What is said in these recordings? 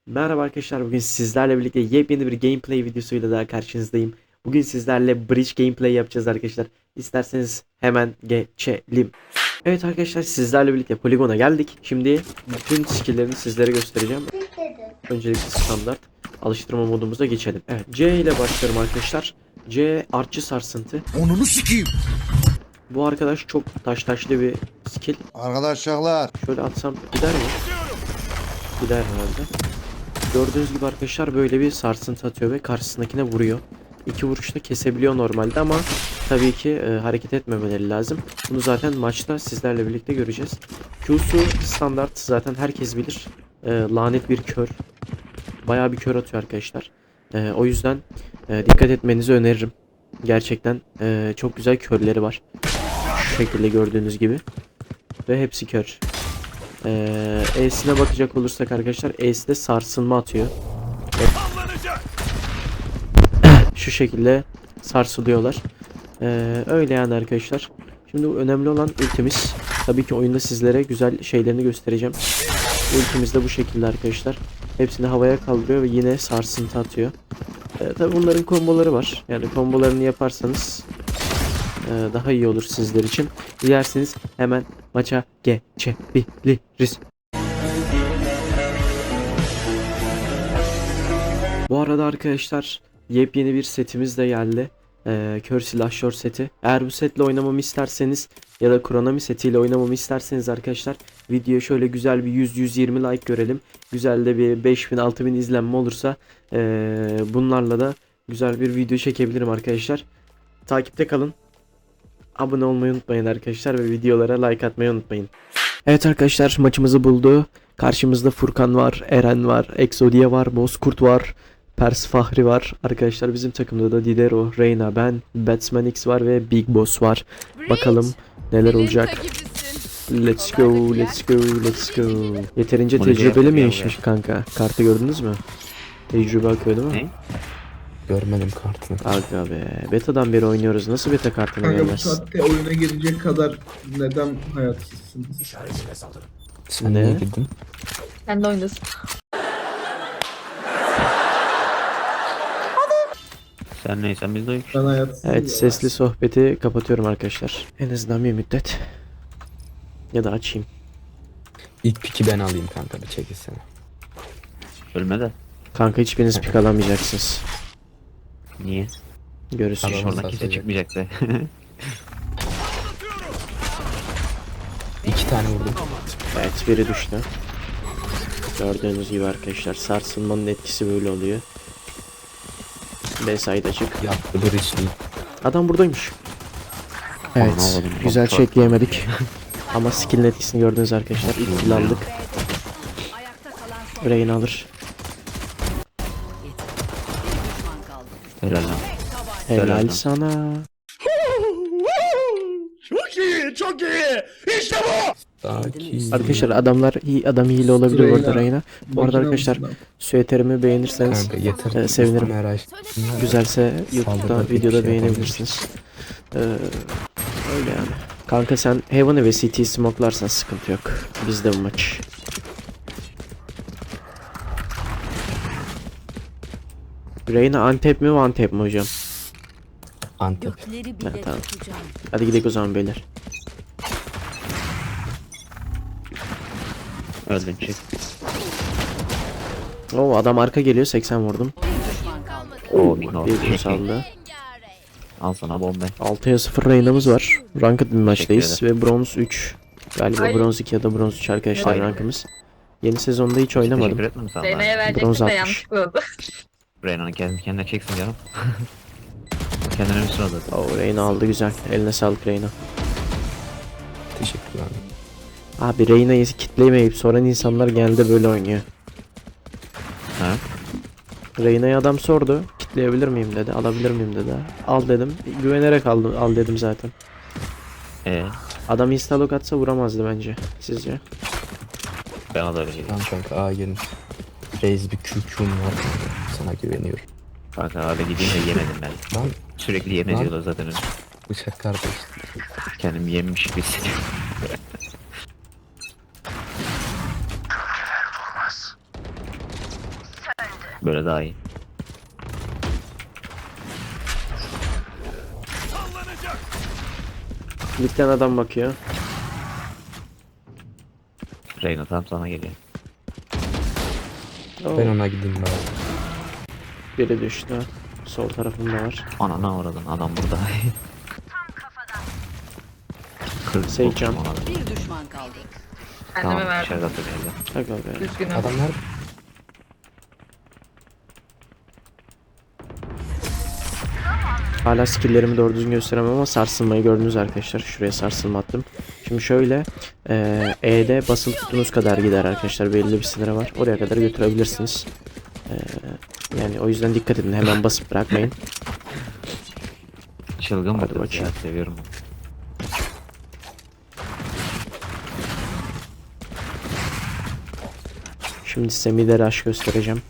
Merhaba arkadaşlar, bugün sizlerle birlikte yepyeni bir gameplay videosuyla daha karşınızdayım. Bugün sizlerle bridge gameplay yapacağız arkadaşlar. İsterseniz hemen geçelim. Evet arkadaşlar, sizlerle birlikte poligona geldik. Şimdi bütün skill'lerini sizlere göstereceğim. Öncelikle standart alıştırma modumuza geçelim. Evet, C ile başlıyorum arkadaşlar. C artçı sarsıntı. Onunu sikeyim. Bu arkadaş çok taşlı bir skill. Arkadaşlar. Şöyle atsam gider mi? Gider herhalde. Gördüğünüz gibi arkadaşlar böyle bir sarsıntı atıyor ve karşısındakine vuruyor. İki vuruşta kesebiliyor normalde ama tabii ki hareket etmemeleri lazım. Bunu zaten maçta sizlerle birlikte göreceğiz. Q'su standart, zaten herkes bilir. Lanet bir kör. Bayağı bir kör atıyor arkadaşlar. O yüzden dikkat etmenizi öneririm. Gerçekten çok güzel körleri var. Şu şekilde gördüğünüz gibi. Ve hepsi kör. E'sine bakacak olursak arkadaşlar, E'si de sarsılma atıyor. Şu şekilde sarsılıyorlar. Öyle yani arkadaşlar. Şimdi önemli olan ultimiz. Tabii ki oyunda sizlere güzel şeylerini göstereceğim. Ultimiz de bu şekilde arkadaşlar. Hepsini havaya kaldırıyor ve yine sarsıntı atıyor. Tabii bunların komboları var. Yani kombolarını yaparsanız daha iyi olur sizler için. Dilerseniz hemen maça geçebiliriz. Bu arada arkadaşlar, yepyeni bir setimiz de geldi. Kör silahşör seti. Eğer bu setle oynamamı isterseniz ya da Kronomi setiyle oynamamı isterseniz arkadaşlar, videoya şöyle güzel bir 100-120 like görelim. Güzel de bir 5000-6000 izlenme olursa bunlarla da güzel bir video çekebilirim arkadaşlar. Takipte kalın. Abone olmayı unutmayın arkadaşlar ve videolara like atmayı unutmayın. Evet arkadaşlar, maçımızı buldu. Karşımızda Furkan var, Eren var, Exodia var, Bozkurt var, Pers Fahri var. Arkadaşlar bizim takımda da Didero, Reyna, ben, Batsman X var ve Big Boss var. Bakalım neler olacak. Let's go, let's go, let's go. Yeterince tecrübeli mi yaşmış kanka? Kartı gördünüz mü? Tecrübe akıyor değil mi? Ne? Görmedim kartını. Aga be. Beta'dan beri oynuyoruz. Nasıl beta kartını Kanka bu görmezsin? saatte oyuna girecek kadar neden hayatsızsınız? Sen Ne? niye girdin? Sen de oynasın. Sen neysen biz de Ben hayatsızım. Evet, ya. sesli sohbeti kapatıyorum arkadaşlar. En azından bir müddet. Ya da açayım. İlk piki ben alayım kanka, bir çekilsene. Ölme de. Kanka hiçbiriniz pik alamayacaksınız. Niye? Görürsün. Tamam. Oradan kimse satacak. çıkmayacaktı. 2 tane vurdum. Evet, biri düştü. Gördüğünüz gibi arkadaşlar, sarsılmanın etkisi böyle oluyor. B-side açık. Yaptı bir iş değil. Adam buradaymış. Evet, Anlamadım. güzel Çok- çekleyemedik. Ama skill'in etkisini gördünüz arkadaşlar. İlk kill aldık. Reyna alır. Helal lan. Helal Helal. sana. Sakin. Arkadaşlar adamlar iyi, adam hile olabilir Reyna, orada Reyna. Bu arada makine arkadaşlar, mısın süeterimi beğenirseniz Kanka yeter. sevinirim. Merak. Güzelse YouTube'da Saldırıda videoda bir şey beğenebilirsiniz. Öyle yani. Kanka sen Heaven'ı ve CT'yi smoke'larsan sıkıntı yok. Bizde bu maç. Reyna antep mi one tap mi hocam? Antep. Ha, tamam. Hadi gidelim o zaman beyler. Öldün çık. Oo, adam arka geliyor, 80 vurdum. Oo, no. Bir saldı. Al sana bomba. 6'ya 0 Reyna'mız var. Ranked bir maçtayız Teşekkür ve bronz 3. Galiba Ay. bronz 2 ya da bronz 3 arkadaşlar Ay. rankımız. Yeni sezonda hiç oynamadım. Teşekkür etmem sana. Reyna'ya Bronz verecektim de 60. yanlışlıkla oldu. Reyna'nın kendine çeksin canım. Kendine üstüne aldı. Oo, Reyna aldı, güzel. Eline sağlık Reyna. Teşekkürler. Abi Reyna'yı kitleyemeyip soran insanlar genelde böyle oynuyor. Ha? Reyna'ya adam sordu. Kitleyebilir miyim dedi. Alabilir miyim dedi. Al dedim. Güvenerek aldım, al dedim zaten. Adam instalok atsa vuramazdı bence. Sizce? Bana da öyle geliyor. Tamam kanka A gelin. Reis bir QQ'm var. Sana güveniyorum. Kanka hadi gideyim de yemedim ben. Lan Sürekli yem Lan. ediyorlar zaten. bıçak kardeş. Kendimi yemiş gibi hissediyorum. Böyle daha iyi. Mid'den adam bakıyor. Reyna tam sana geliyor. Oo, Ben ona gideyim bari. biri düştü. Sol tarafında var. Anana uğradın adam burada. 40 Seyircan. Bir düşman kaldı. Tamam Kendime verdim. dışarıda atacağız. Aga be. Üzgünüm. Adamlar Hala skill'lerimi doğru düzgün gösteremem ama sarsılmayı gördünüz arkadaşlar. Şuraya sarsılma attım. Şimdi şöyle E'de basılı tuttuğunuz kadar gider arkadaşlar. Belli bir sınırı var. Oraya kadar götürebilirsiniz. Yani o yüzden dikkat edin. Hemen basıp bırakmayın. Çılgın Hadi bir kız bakayım. ya, seviyorum onu. Şimdi size mid'e rush göstereceğim.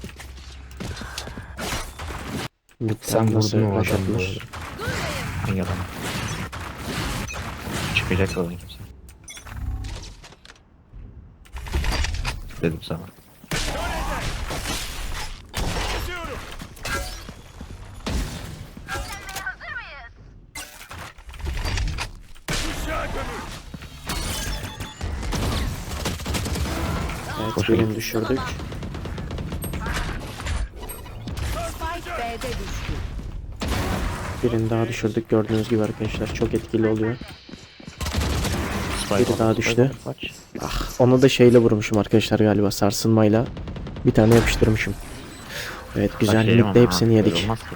sen Mid'den nasıl vurdun o rush adamı. atılır? Hangi adam? Çıkacak olan kimse. Dedim sana. Evet, Hoş birini geldin. düşürdük. Spike B'de düştü. Birini daha düşürdük gördüğünüz gibi arkadaşlar. Çok etkili oluyor. Spike Biri oldu, daha Spike düştü. oldu, kaç. Ah, ona da şeyle vurmuşum arkadaşlar galiba, sarsılmayla. Bir tane yapıştırmışım. Evet, güzel. Kaç yerim Mid'de ama hepsini ha, yedik. böyle olmaz ki.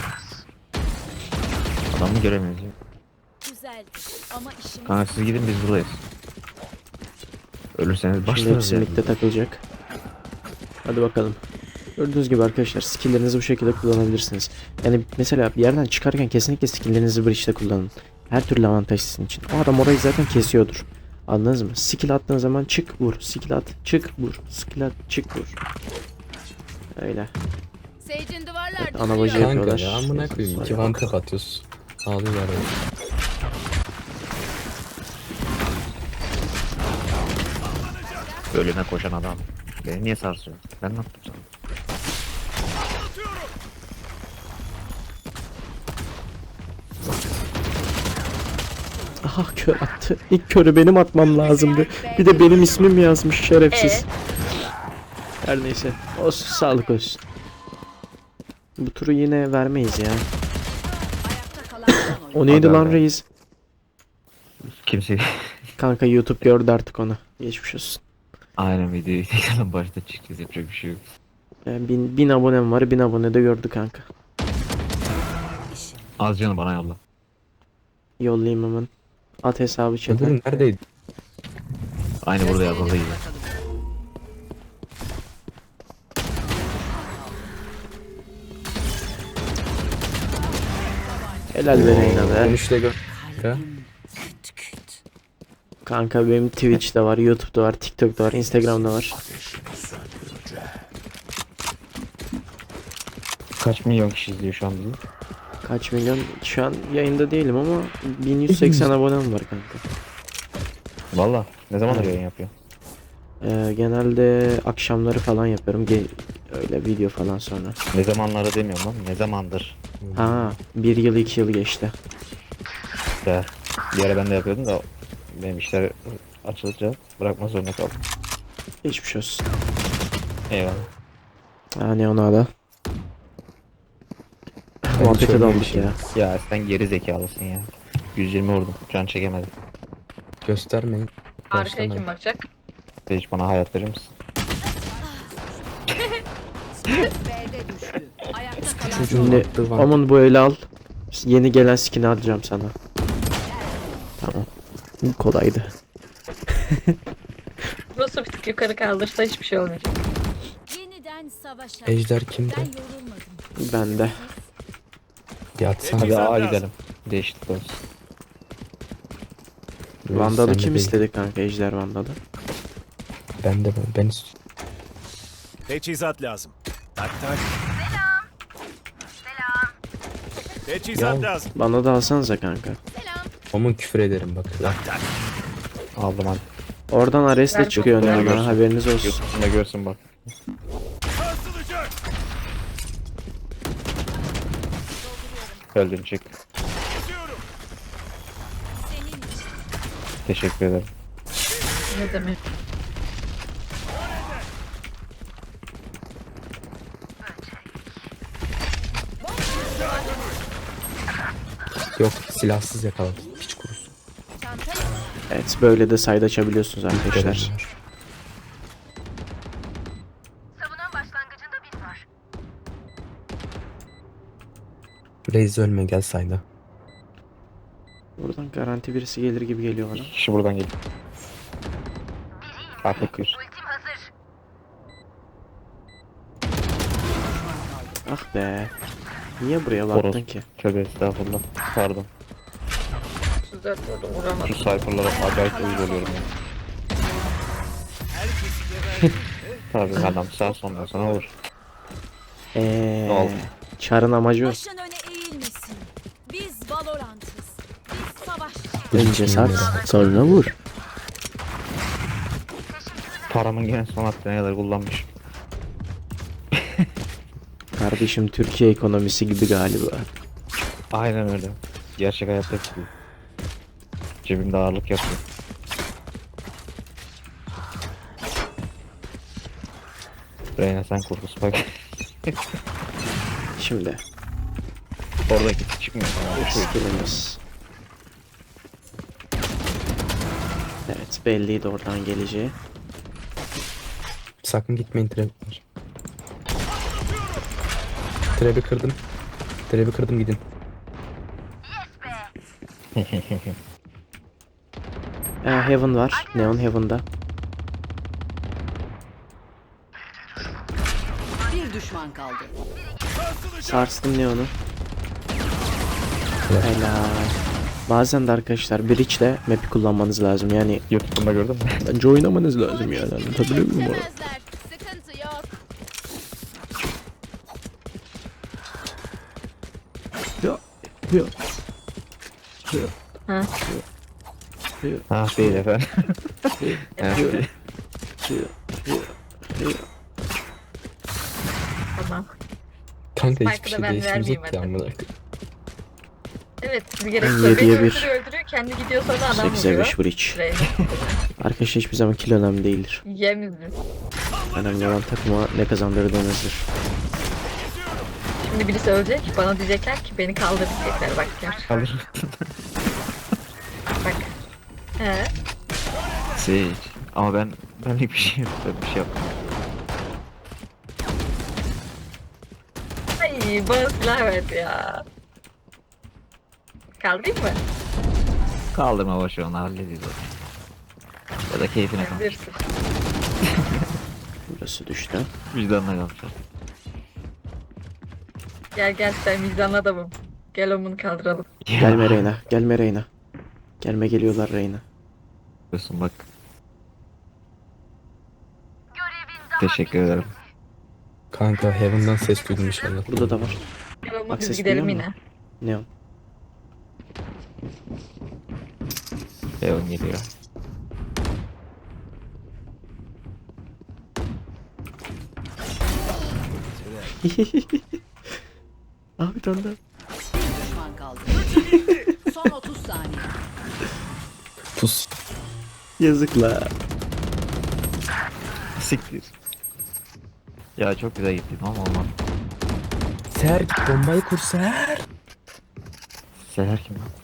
Adamı göremiyoruz ya. Güzeldi ama işimiz Kanka siz gidin, biz buradayız. Ölürseniz Şimdi başlarız hepsi yani. mid'de takılacak. Hadi bakalım. Gördüğünüz gibi arkadaşlar skill'lerinizi bu şekilde kullanabilirsiniz. Yani mesela bir yerden çıkarken kesinlikle skill'lerinizi bridge'de kullanın. Her türlü avantaj sizin için. O adam orayı zaten kesiyordur. Anladınız mı? Skill attığın zaman çık vur. Skill at çık vur. Skill at çık vur. Öyle. Sage'in duvarlar Evet, ana bacı Kanka yapıyorlar. ya amına koyayım. 2 one tap atıyorsun. Ağlıyorlar ya. Ölüme koşan adam. Beni niye sarsıyor? Ben ne yaptım sana? Aha, kör attı. İlk körü benim atmam lazımdı. Bir de benim ismim yazmış şerefsiz. Her neyse. Olsun, sağlık olsun. Bu turu yine vermeyiz ya. ayakta kalan son oyun. O neydi Aga lan be. reis? Kimse... Kanka YouTube gördü artık onu. Geçmiş olsun. Aynen videoyu tekrardan başta çıkacağız, yapacak bir şey yok. Yani bin abonem var. 1000 abone de gördü kanka. Az canı bana yolla. Yollayayım hemen. At hesabı chat'e. Öbürü neredeydi? Aynı burada yazıldığı gibi. Helal be Reyna be. Dönüşle gör. Ya. Kanka benim Twitch'te var, YouTube'da var, TikTok'ta var, Instagram'da var. Kaç milyon kişi izliyor şu an bizi? Kaç milyon? Şu an yayında değilim ama 1180 abonem var kanka. Valla ne zamandır yayın yapıyor? Genelde akşamları falan yapıyorum. Öyle video falan sonra. Ne zamanları demiyorum lan, ne zamandır? Ha, 1 yıl 2 yıl geçti. Ya, bir ara ben de yapıyordum da benim işler açılınca bırakma zorunda kaldım. Geçmiş olsun. Eyvallah. Ha, ne ona da. Muhabbete şöyle daldık bir şey. ya. Ya sen geri zekalısın ya. 120 vurdum, can çekemedim. Göstermeyin. Arkaya Başlamayın. kim bakacak? Hiç bana hayat verir misin? B'de düştü. Ayakta kalan son Çocuğun Şimdi attığı one aman bu eli al. Yeni gelen skin'i alacağım sana. Tamam. Bu kolaydı. Burası bir tık yukarı kaldırsa hiçbir şey olmayacak. yeniden savaşa. Ejder Ben kimde? yorulmadım. Ben de. Yatsana. Hadi A gidelim. Değişiklik olsun. Vandal'ı Sen de kim değil. istedi kanka, Ejder Vandal'ı? Ben istiyorum. Teçhizat lazım. Tak tak. Teçhizat Ya. lazım. Bana da alsanıza kanka. Aman küfür ederim bak. Aldım hadi. Oradan Ares'le Ben çıkıyor çok ne beğendim. ama, haberiniz olsun. YouTube'da görsün bak. Sarsılacak. Şaşırtıcı. Öldün çık. Kesiyorum. Senin için. Teşekkür ederim. Ne demek? Yok silahsız yakaladım. Hiç kurusu. Evet böyle de side açabiliyorsunuz arkadaşlar. Reis ölme gel sayda. Buradan garanti birisi gelir gibi geliyor bana. İki kişi buradan geliyor. Artık bir. Ah be. Niye buraya baktın Horoz. ki? Tövbe estağfurullah. Pardon. 34 vurdum vuramadım. Şu sayfalara acayip uyuz oluyorum ya. Tabii adam sağ sonra sana vur. Ne oldu? Çarın amacı o. Başın öne eğilmesin. Biz Valorant'ız. Biz savaşçıyız. Önce sat sonra vur. Paramın gene son hattına kadar kullanmış. Kardeşim Türkiye ekonomisi gibi galiba. Aynen öyle. Gerçek hayatta gibi. Cebimde ağırlık yapıyor. Reyna sen kurtu Spike. Şimdi Oradaki çıkmıyor. skillimiz. Evet belliydi oradan geleceği. Sakın gitmeyin trap var. Trap'i kırdım. Trap'i kırdım gidin. Heaven var. Neon Heaven'da. Bir düşman kaldı. Sarstım Neon'u. Helal. Bazen de arkadaşlar Breach'le map'i kullanmanız lazım. Yani YouTube'da gördün mü? bence oynamanız lazım yani. Anlatabiliyor muyum? Sıkıntı yok. Ya. Ya. Ha? Ha değil efendim. Evet. Tamam. Kanka Spike'ı hiçbir da şey ben değişmeyecek vermeyeyim ki hadi. amına koyayım. Evet siz gereksiz. Yediye Beni bir. öldürüyor kendi gidiyor sonra adam 8'e vuruyor. 5 Breach. Reyna. Arkadaşlar hiçbir zaman kill önemli değildir. Yemizli. Önemli olan takıma ne kazandırdığınızdır. Şimdi birisi ölecek bana diyecekler ki beni kaldır diyecekler bak gör. Kalır. Bak. He. Sage. Ama ben hiçbir şey yapmadım. Bir şey yapmadım. Ay bana silah verdi ya. Kaldırayım mı? Kaldırma boş ver onu halledeceğiz. Ya da keyfine kal. Bilirsin. Burası düştü. Vicdanına kalmış. Gel gel sen vicdanlı adamım. Gel omunu kaldıralım. Gelme Reyna. Gelme Reyna. Gelme geliyorlar Reyna. Yapıyorsun bak. Teşekkür ederim. Kanka Heaven'dan ses duydum inşallah. Burada da var. Gel omu Bak biz ses gidelim duyuyor yine. musun? Neon. Leon geliyor. Ah bir tane daha. Bir düşman kaldı. Son 30 saniye. Pus. Yazıklar. Siktir. Ya çok güzel gittin ama olmaz. Ser bombayı kur Ser. Seher kim lan?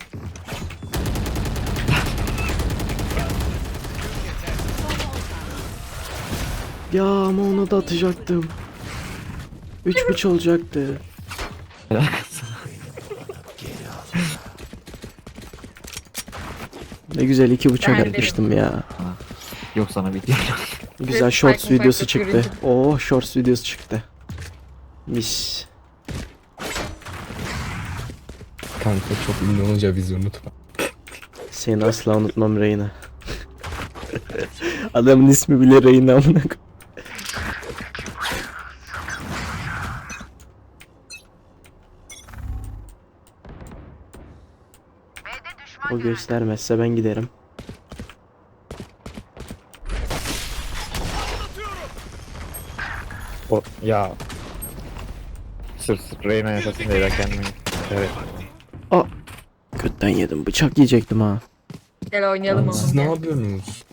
Ya ama ona da atacaktım. 3-3 olacaktı. Ne güzel 2 bıçak Ben de- atmıştım ya. Yok sana bir değil. Güzel Ve shorts Spike'ın videosu farklı çıktı. görüntü. Oh shorts videosu çıktı. Mis. Kanka çok ünlü olunca bizi unutma. Seni asla unutmam Reyna. Adamın ismi bile Reyna amına koyayım. O göstermezse ben giderim. O ya. Sırf Reyna yaşasın diye ben kendimi. Evet. Götten yedim. Bıçak yiyecektim ha. Gel oynayalım Lan onu. siz ne Gel. yapıyorsunuz?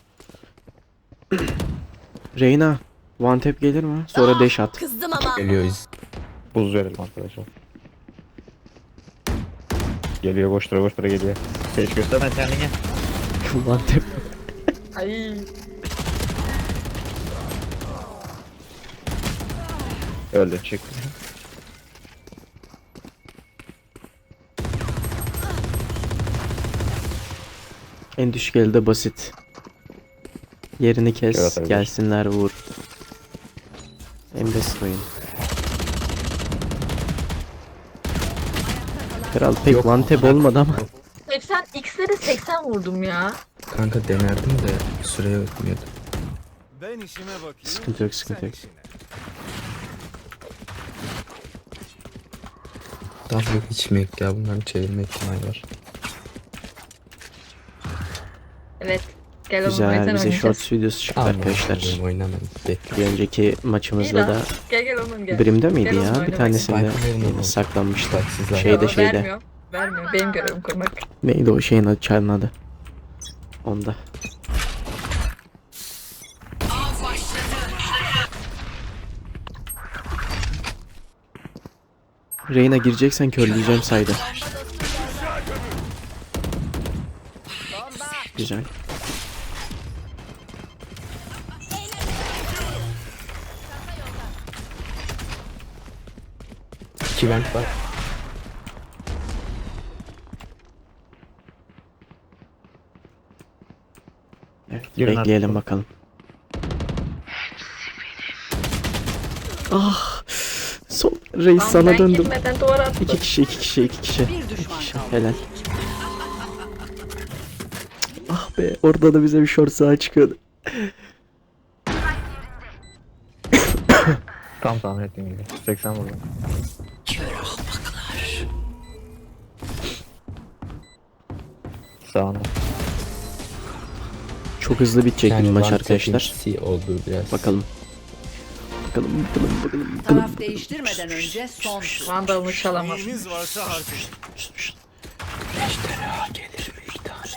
Reyna. One tap gelir mi? Sonra dash at. Kızdım ama. Geliyoruz. Buz verelim arkadaşlar. Geliyor koştura koştura geliyor. Hiç göstermez kendini. One tap. Ay. Öldü çık. En düşük elde basit. Yerini kes. Evet, evet. Gelsinler vur. En basit oyun. Kral pek Yok, one tap bak. olmadı ama. 80 X'leri 80 vurdum ya. Kanka denerdim de süre yetmiyordu. Ben işime bakayım. Sıkıntı yok, sıkıntı sen yok. işine. Daha yok içmek ya bunların çevirme ihtimali var. Evet. Gel oğlum Güzel, oynayalım. bize shorts videosu çıktı arkadaşlar. Benim oynamadım. Bekle. Bir önceki maçımızda da Gel oğlum gel. Brim'de miydi Gel oğlum ya? Bir oynamak. tanesinde Spike'ın oğlum. saklanmıştı. Bak sizler. Şeyde, Yo, şeyde. Vermiyor. Vermiyor. Benim görevim kurmak. Neydi o şeyin adı, çarın adı? Onda. Reyna gireceksen körleyeceğim sayda. Güzel. İki vent var. Evet, Girin bekleyelim artık. bakalım. Ah! Son reis Lan sana ben döndüm. girmeden duvar attım. İki kişi, iki kişi, iki kişi. Bir düşman İki kişi. kaldı. Helal. Ah be, orada da bize bir short saha çıkıyordu. Tam tahmin ettiğim gibi. 80 vurdum. Sağında. Çok hızlı bitecek bir maç one arkadaşlar. tap'in C oldu biraz. Bakalım. Bakalım, bakalım, bakalım, bakalım. Taraf değiştirmeden önce son tur. Vandalını çalamaz. Neyiniz varsa harcayın. Gelir mi bir tane?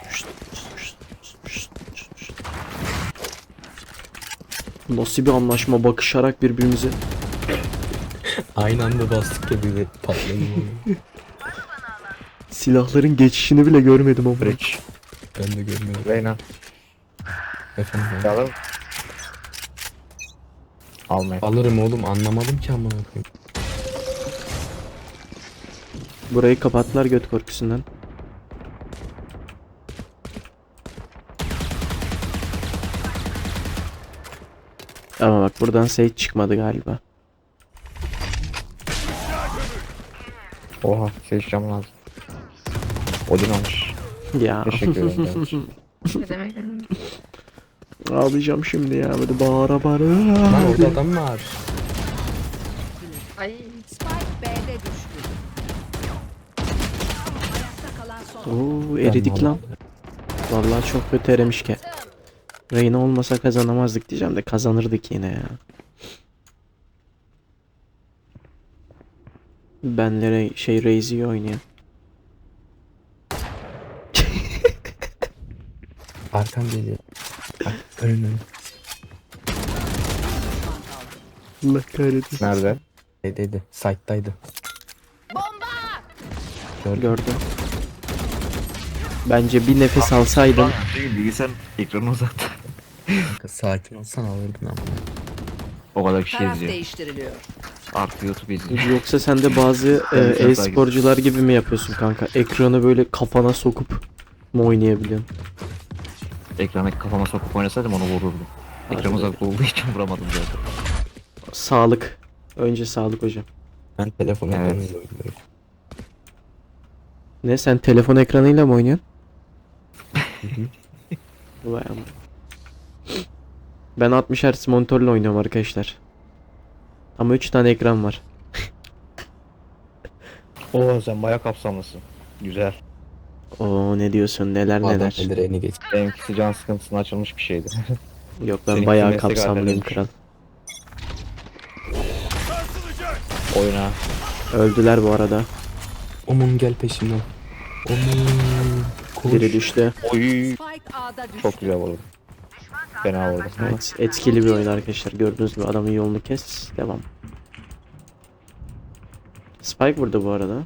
Nasıl bir anlaşma, bakışarak birbirimize. Aynı anda bastık ya bize patladı. Silahların geçişini bile görmedim ama. Bridge. Ben de görmedim. Reyna. Efendim ben. Çalalım. Almayın. Alırım oğlum anlamadım ki amına koyayım. Burayı kapattılar göt korkusundan. Ama bak buradan Sage çıkmadı galiba. Oha. Seçeceğim lazım. Odin almış. Ya Teşekkür ederim. kardeşim. Ne demek? ağlayacağım şimdi ya, böyle bağıra bağıra. Lan orada adam var. Ay. Spike B'de düştü. Ayakta kalan son. Oo, eridik Ben lan. Vallahi çok kötü erimiş ki. Reyna olmasa kazanamazdık diyeceğim de kazanırdık yine ya. Benlere şey Raze'i oynuyor. Arkan geliyor. Bak önüne. Allah kahretsin. Nerede? Dedi. Site'daydı. Gördüm. Gördüm. Bence bir nefes alsaydın. Bilgisayar ekranı uzattı. Kanka sakin olsan alırdın ama. O kadar kişi Taraf izliyor. değiştiriliyor. Artı YouTube izliyor. Yoksa sen de bazı Ben bir sefer e-sporcular gibi mi yapıyorsun kanka? Ekranı böyle kafana sokup mu oynayabiliyorsun? Ekrana kafama sokup oynasaydım onu vururdum. Ekran Hadi uzakta olduğu için vuramadım zaten. Sağlık. Önce sağlık hocam. Ben telefon Evet. ekranıyla oynuyorum. Ne, sen telefon ekranıyla mı oynuyorsun? Vay amma. Ben 60 Hz monitörle oynuyorum arkadaşlar. Ama 3 tane ekran var. Oo sen baya kapsamlısın. Güzel. Oo, ne diyorsun, neler Bu adam neler. eldireğini geç. Benimkisi can sıkıntısına açılmış bir şeydi. Yok, ben Seninki bayağı meslek kapsamlıyım halleriymiş. kral. Oyna. Öldüler bu arada. Omun gel peşimden. Omun. Koş. Biri düştü. Oy. Spike A'da düştü. Çok güzel vurdu. Fena vurdu. Evet, etkili bir oyun arkadaşlar. Gördüğünüz gibi adamın yolunu kes. Devam. Spike burada bu arada.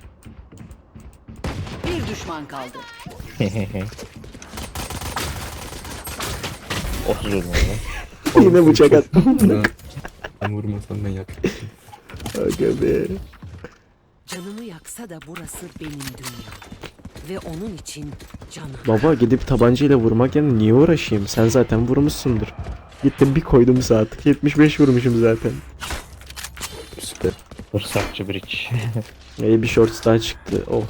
Bir düşman kaldı. 30 vurdum orada. Yine bıçak attım. Ben vurmasam ben yak. Aga be. Canımı yaksa da burası benim dünya. Ve onun için canım. Baba gidip tabancayla vurmak yerine niye uğraşayım? Sen zaten vurmuşsundur. Gittim bir koydum saat. 75 vurmuşum zaten. Süper. Fırsatçı bridge. Bir shorts daha çıktı. Oh.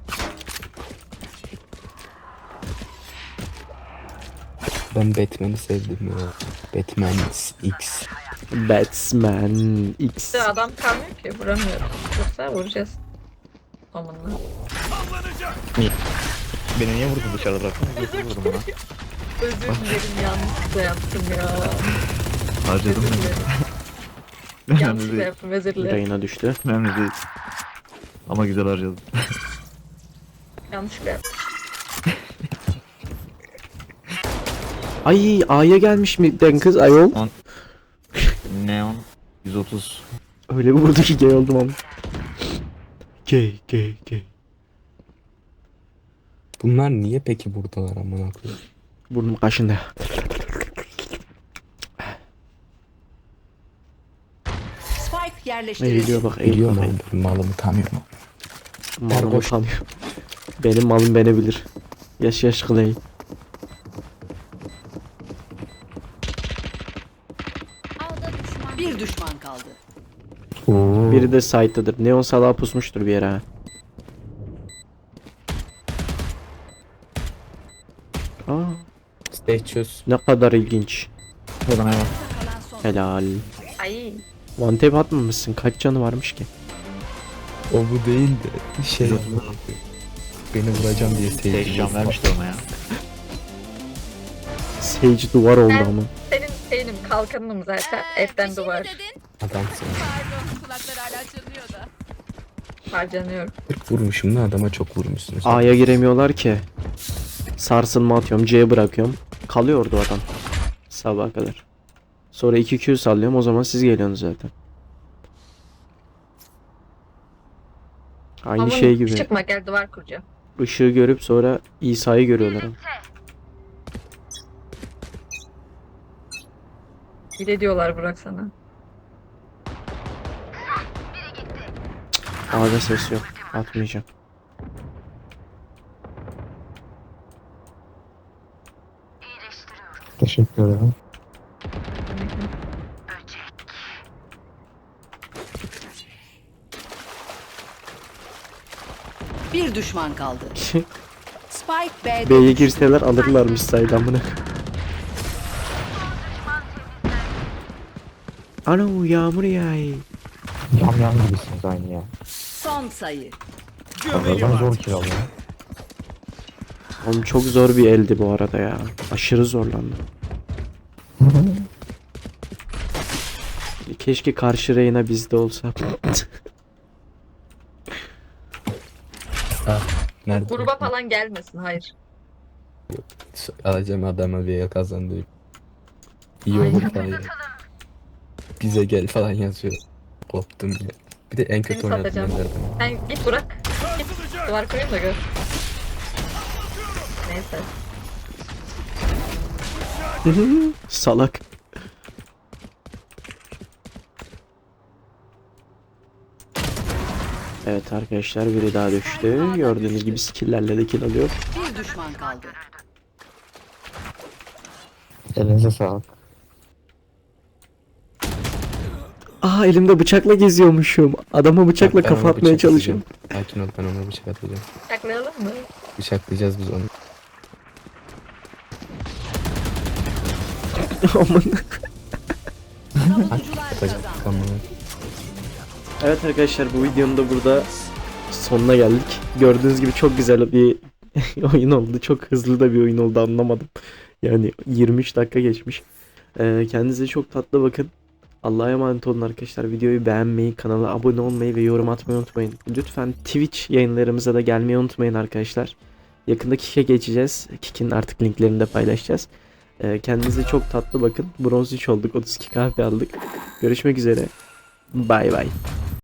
Ben Batman'i sevdim ya. Batman X. Batman X. İşte adam kalmıyor ki vuramıyorum. Yoksa vuracağız. Amanla. Beni niye vurdun dışarıda bıraktın? Vurdum ona. Özür dilerim yanlışlıkla yaptım ya. Harcadım Özür dilerim. Önemli Yanlışlıkla değil. yaptım özür dilerim. Reyna düştü. Önemli değil. Ama güzel harcadım. Yanlışlıkla yaptım. Ay A'ya gelmiş mi den kız ayol? Neon 130. Öyle bir vurdu ki gay oldum ama. Gay. Bunlar niye peki buradalar amına koyayım? Burnum kaşındı. Spike yerleştirildi. Eğiliyor bak Biliyor eğiliyor. mu? Ben malımı tanıyorum. Malım utanıyor. Benim malım beni bilir. Yaş kılayım. A'da düşman. Bir düşman kaldı. Oo. Biri de site'dadır. Neon salağı pusmuştur bir yere ha. Aa, Stay çöz. ne kadar ilginç. Buradan hemen. Kalan son. Helal. Ay. One tap atmamışsın. Kaç canı varmış ki? O bu değil de şey amına koyayım. Beni vuracağım diye Tek sevdim. can vermişti ona ya. Sage duvar oldu ama. Senin şeyinim kalkanım zaten. Etten Bir şey mi duvar. dedin? Adamsın. Pardon kulaklar hala çınlıyor da. Harcanıyorum. 40 vurmuşum da adama çok vurmuşsunuz. A'ya giremiyorlar ki. Sarsılma atıyorum. C'ye bırakıyorum. Kalıyordu adam. Sabaha kadar. Sonra 2Q sallıyorum. O zaman siz geliyorsunuz zaten. Aynı Ama şey gibi. çıkma gel duvar kuracağım. Işığı görüp sonra İsa'yı görüyorlar. ama. Bir de diyorlar bırak sana. A'da ses yok. Atmayacağım. Teşekkür ederim. Bir düşman kaldı. Spike B'de B'ye girseler alırlarmış sayılamını. Ano yağmur yağıyor. Yam gibisiniz aynı ya. son sayı. Pazardan zor kiralı ya. Oğlum çok zor bir eldi bu arada ya. Aşırı zorlandım. Keşke karşı Reyna bizde olsa. Nerede? Gruba falan gelmesin hayır. Alacağım adama bir el kazandı. İyi olur falan. Bize gel falan yazıyor. Koptum bile. Bir de en kötü Seni oynadım satacağım. ben. Sen git bırak. Git duvar kurayım da gör. Neyse. Salak. Evet arkadaşlar biri daha düştü. Gördüğünüz gibi skill'lerle de kill alıyor. Bir düşman kaldı. Elinize sağlık. Aa elimde bıçakla geziyormuşum. Adama bıçakla Ben kafa ona atmaya bıçak çalışıyorum. atacağım. Sakin ol, ben ona bıçak atacağım. Saklayalım mı? Bıçaklayacağız biz onu. Aman. Savunucular Atacak. kazandı. Tamam. Evet arkadaşlar bu videonun da burada sonuna geldik. Gördüğünüz gibi çok güzel bir oyun oldu. Çok hızlı da bir oyun oldu anlamadım. Yani 23 dakika geçmiş. Kendinize çok tatlı bakın. Allah'a emanet olun arkadaşlar. Videoyu beğenmeyi, kanala abone olmayı ve yorum atmayı unutmayın. Lütfen Twitch yayınlarımıza da gelmeyi unutmayın arkadaşlar. Yakında Kik'e geçeceğiz. Kik'in artık linklerini de paylaşacağız. Kendinize çok tatlı bakın. Bronz 3 olduk. 32 kahve aldık. Görüşmek üzere. Bay bay.